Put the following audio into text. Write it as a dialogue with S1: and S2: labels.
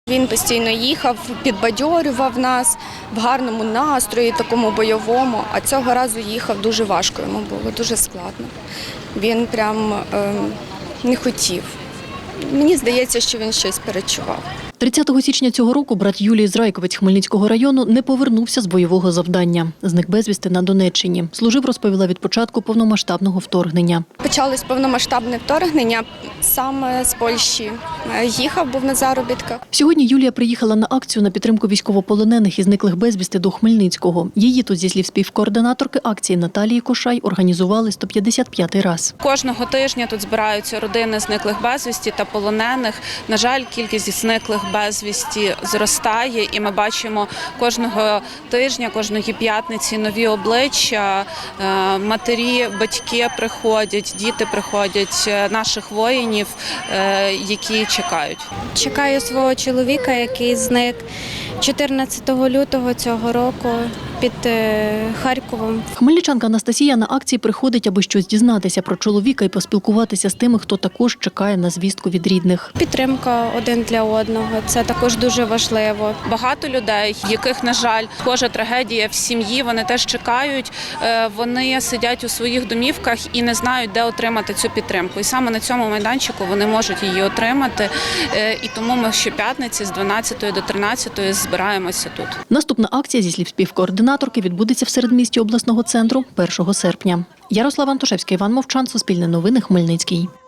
S1: Він постійно їхав, підбадьорював нас в гарному настрої, такому бойовому, а цього разу їхав дуже важко, йому було дуже складно. Він прям не хотів. Мені здається, що він щось перечував.
S2: 30 січня цього року брат Юлії з Райковець Хмельницького району не повернувся з бойового завдання. Зник безвісти на Донеччині. Служив, розповіла, від початку повномасштабного вторгнення.
S1: Почалось повномасштабне вторгнення саме з Польщі. Їхав, був на заробітках.
S2: Сьогодні Юлія приїхала на акцію на підтримку військовополонених і зниклих безвісти до Хмельницького. Її тут, зі слів співкоординаторки акції Наталії Кошай, організували 155-й раз.
S3: Кожного тижня тут збираються родини зниклих безвісті та полонених. На жаль, кількість зниклих безвісті зростає, і ми бачимо кожного тижня, кожної п'ятниці нові обличчя, матері, батьки приходять, діти приходять, наших воїнів, які чекають.
S4: Чекаю свого чоловіка, який зник 14 лютого цього року під Харковом.
S2: Хмельничанка Анастасія на акції приходить, аби щось дізнатися про чоловіка і поспілкуватися з тими, хто також чекає на звістку від рідних.
S4: Підтримка один для одного – це також дуже важливо.
S3: Багато людей, яких, на жаль, схожа трагедія в сім'ї, вони теж чекають, вони сидять у своїх домівках і не знають, де отримати цю підтримку. І саме на цьому майданчику вони можуть її отримати. І тому ми щоп'ятниці з 12 до 13 збираємося тут.
S2: Наступна акція, зі слів співкоординаторки, відбудеться в середмісті обласного центру 1 серпня. Ярослава Антошевська, Іван Мовчан, Суспільне новини, Хмельницький.